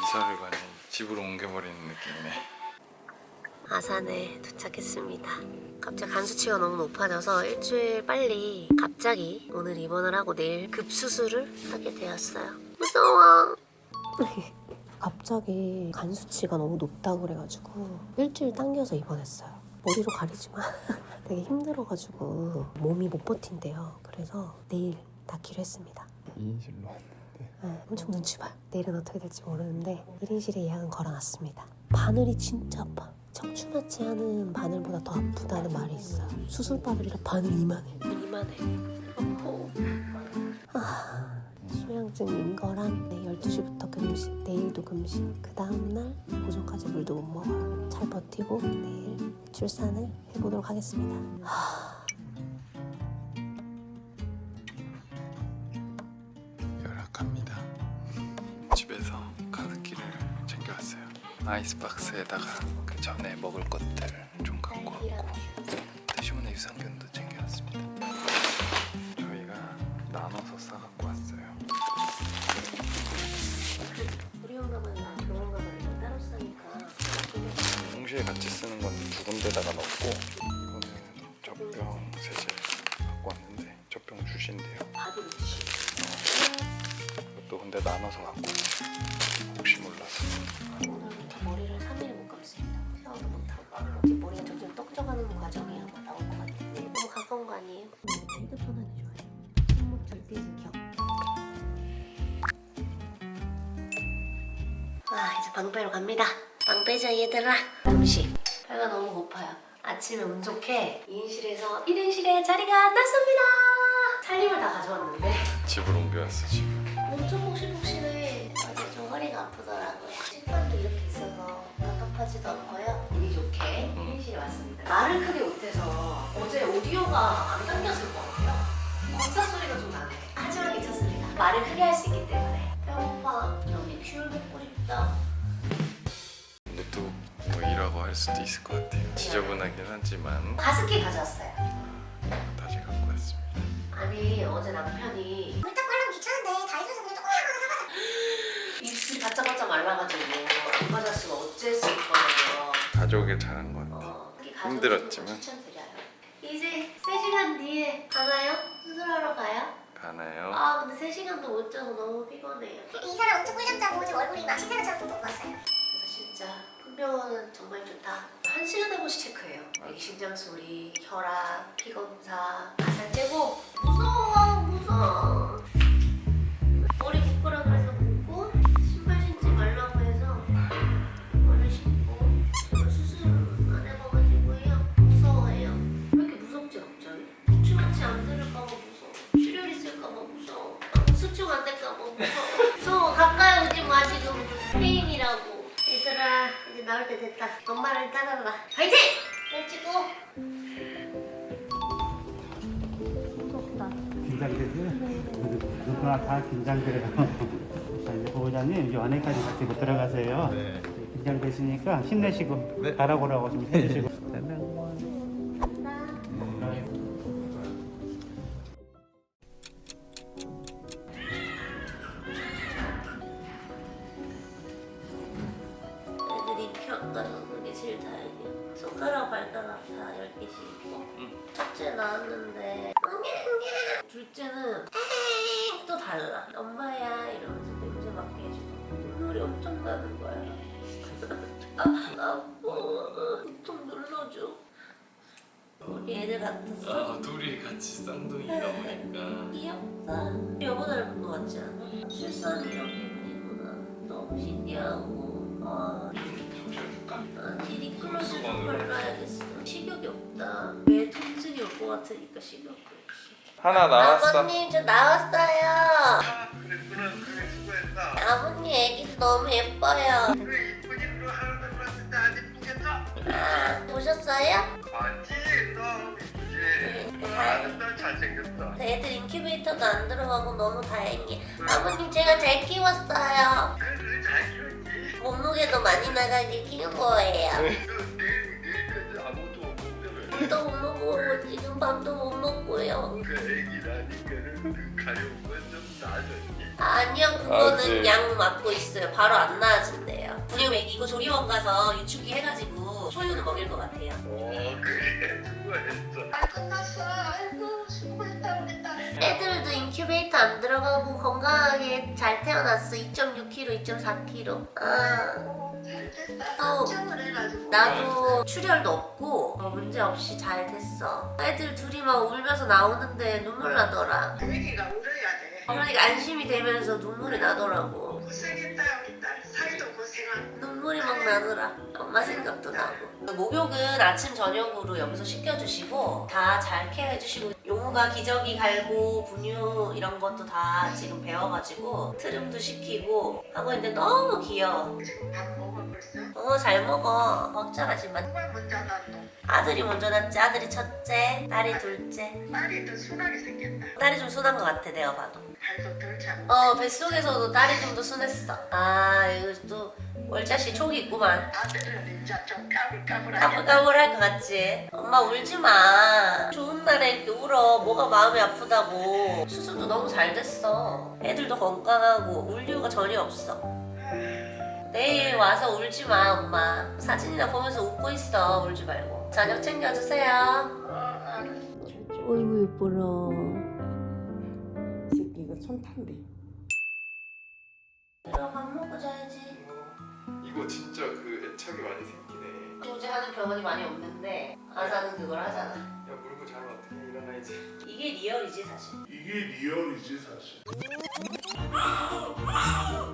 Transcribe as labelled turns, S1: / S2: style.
S1: 이사를 가니 집으로 옮겨버리는 느낌이네.
S2: 아산에 도착했습니다. 갑자기 간 수치가 너무 높아져서 일주일 빨리 갑자기 오늘 입원을 하고 내일 급수술을 하게 되었어요. 무서워. 갑자기 간 수치가 너무 높다고 그래가지고 일주일 당겨서 입원했어요. 머리로 가리지만 되게 힘들어가지고 몸이 못 버틴대요. 그래서 내일 닫기로 했습니다.
S1: 2인실로 왔는데
S2: 네, 엄청 눈치 봐요. 내일은 어떻게 될지 모르는데 1인실에 예약은 걸어놨습니다. 바늘이 진짜 아파. 척추마취 하는 바늘보다 더 아프다는 말이 있어요. 수술 바늘이라 바늘 이만해. 소량증인 거랑 12시부터 금식, 내일도 금식, 그 다음날 오전까지 물도 못 먹어요. 잘 버티고 내일 출산을 해보도록 하겠습니다.
S1: 열악합니다. 집에서 가습기를 챙겨왔어요. 아이스박스에다가 그 전에 먹을 것들 좀 갖고 왔고 대신에 유산균도 챙겨왔습니다. 저희가 나눠서 싸갖고 왔어요.
S2: 우리 영감은 병원 가면 따로 싸니까
S1: 동시에 같이 쓰는 건 두 군데다가 넣고 이거는 젖병 세제 갖고 왔는데 젖병 주신대요.
S2: 바디로 드시고
S1: 이것도 근데 나눠서 갖고 왔어요. 혹시 몰라서.
S2: 오늘부터 머리를 3일 못 감습니다. 샤워도 못하고 이제 머리가 점점 떡져가는 과정이 아마 나올 것 같아요. 너무 가까운 거 아니에요? 핸드폰 하기 좋아요. 손목 절대 지켜. 이제 방 빼러 갑니다. 방 빼자 얘들아. 음식. 배가 너무 고파요. 아침에 운 좋게 2인실에서 1인실에 자리가 났습니다. 살림을 다 가져왔는데
S1: 집으로 옮겨왔어 지금.
S2: 엄청 폭신폭신해. 어제 좀 허리가 아프더라고요. 식판도 이렇게 있어서 갑갑하지도 않고요. 운이 좋게 1인실에 왔습니다. 말을 크게 못해서 어제 오디오가 안 당겼을 것 같아요. 건사 소리가 좀 나네. 하지만 괜찮습니다. 말을 크게 할 수 있기 때문에. 배고파. 저기 귤 먹고 싶다.
S1: 노트북 뭐 일하고 할 수도 있을 것 같아요. 지저분하긴 하지만
S2: 가습기 가져왔어요.
S1: 다시 갖고 왔습니다.
S2: 아니 어제 남편이
S3: 물 닦고 하려면 귀찮은데 다이소에서 그냥 조금 하나 사가자.
S2: 입술이 바짝바짝 말라가지고 안 맞았으면 어쨌을 거예요.
S1: 가져오길 잘한 것 같아요. 힘들었지만.
S2: 추천드려요. 이제 3시간 뒤에 가나요? 수술하러 가요?
S1: 가나요?
S2: 근데 3시간도 못 자서 너무 피곤해요.
S3: 이 사람 엄청 꿀잠 자고 지금 얼굴이 막 신세가처럼 돋고 왔어요.
S2: 그래서 진짜 큰병원은 정말 좋다. 1시간에 한 번씩 체크해요. 애기 심장 소리, 혈압, 피 검사 다 잘 째고. 무서워. 머리 묶으라 그래서 묶고 신발 신지 말라고 해서 이거를 신고. 제가 수술 안 해봐가지고요. 무서워해요. 왜 이렇게 무섭지 갑자기? 척추마취 안 들을까봐 무서워. 출혈 있을까봐 무서워. 수축 안 될까봐 무서워. 무서워. 가까이 오지 마 지금. 페인이라고. 얘들아 이제 나올 때 됐다. 엄마를 따라라. 파이팅! 펼치고. 무섭다.
S4: 긴장되세요? 누구나 다 긴장돼요. 자, 이제 보호자님 이제 안에까지 같이 못 들어가세요.
S5: 네.
S4: 긴장되시니까 힘내시고
S5: 네.
S4: 바라보라고 좀 해주시고.
S2: 애들이 안 가는 게 제일 다행이야. 손가락 발가락 다 10개씩 있고. 첫째 나왔는데 둘째는 또 달라. 엄마야 이러면서 냄새 맡게 해주고 눈물이 엄청 나는 거야. 아파. 좀 눌러줘. 우리 애들 같았어.
S1: 둘이 같이 쌍둥이가 보니까
S2: 귀엽다. 여보 닮은 거 같지 않아? 출산이 이렇게 그리구나. 너무 신기하고. 아니 니클로즈 좀 발라야겠어. 식욕이 없다. 왜 통증이 올 것 같으니까 식욕이 없어.
S1: 하나 나왔어.
S2: 아버님 저 나왔어요.
S5: 그랬구나. 그래 수고했다.
S2: 아버님 애기 너무 예뻐요.
S5: 그래 이쁘긴 너 하나도 몰랐는데 안 이쁘겠어?
S2: 보셨어요?
S5: 맞지? 너 이쁘지? 아는 너 잘생겼어.
S2: 애들 인큐베이터도 안 들어가고 너무 다행이에요. 아버님 제가 잘 키웠어요.
S5: 그래 잘 키웠지?
S2: 몸무게도 많이 나가게 키운 거예요.
S5: 내일까지 아무것도 없는데
S2: 애들도 못 먹고 지금 밥도 못 먹고요.
S5: 그 애기라니까는 그 가려운 건 좀 나아졌니?
S2: 아니요, 그거는
S1: 아직.
S2: 약 맞고 있어요. 바로 안 나아진대요. 분유 먹이고 조리원 가서 유축기 해가지고 초유는 먹일 것 같아요.
S5: 그래 수고했어.
S3: 아 끝났어. 아이고 수고했다 우리 딸.
S2: 애들도 인큐베이터 안 들어가고 건강하게 잘 태어났어. 2.6kg, 2.4kg. 아,
S3: 잘 됐다.
S2: 또
S3: 걱정을 해가지고.
S2: 나도 출혈도 없고 문제 없이 잘 됐어. 애들 둘이 막 울면서 나오는데 눈물 나더라.
S3: 분위기가 울어야 돼.
S2: 그러니까 안심이 되면서 눈물이 나더라고.
S3: 고생했다 우리 딸. 사이도 고생하고.
S2: 눈물이 막 나더라. 엄마 생각도 나고. 목욕은 아침 저녁으로 여기서 시켜주시고 다 잘 케어해주시고 용우가 기저귀 갈고 분유 이런 것도 다 지금 배워가지고 트림도 시키고 하고 있는데 너무 귀여워.
S3: 지금 밥 먹어 벌써?
S2: 잘 먹어. 먹자하지만
S3: 누가 먼저 낳았노?
S2: 아들이 먼저 낳지. 아들이 첫째, 딸이 둘째.
S3: 딸이 더 순하게 생겼다.
S2: 딸이 좀 순한 것 같아 내가 봐도.
S3: 발도 덜 차고.
S2: 뱃속에서도 딸이 좀 더 순했어. 아 이거 또 월자씨 촉이 있구만.
S3: 아들은 이제 좀 까불까불하게.
S2: 까불까불할 것 같지? 엄마 울지 마. 좋은 날에 이렇게 울어. 뭐가 마음이 아프다고. 수술도 너무 잘 됐어. 애들도 건강하고 울 이유가 전혀 없어. 내일 와서 울지 마 엄마. 사진이나 보면서 웃고 있어. 울지 말고. 저녁 챙겨주세요. 어이구 예뻐라.
S6: 이 새끼 이거 손 탄대.
S2: 들어 밥 먹고 자야지.
S1: 이거 진짜 그 애착이 많이 생기네.
S2: 조제하는 병원이 많이 없는데 아사는 그걸 하잖아.
S1: 야 물고 자면 어떻게 일어나야지.
S2: 이게 리얼이지 사실.
S7: 이게 리얼이지 사실.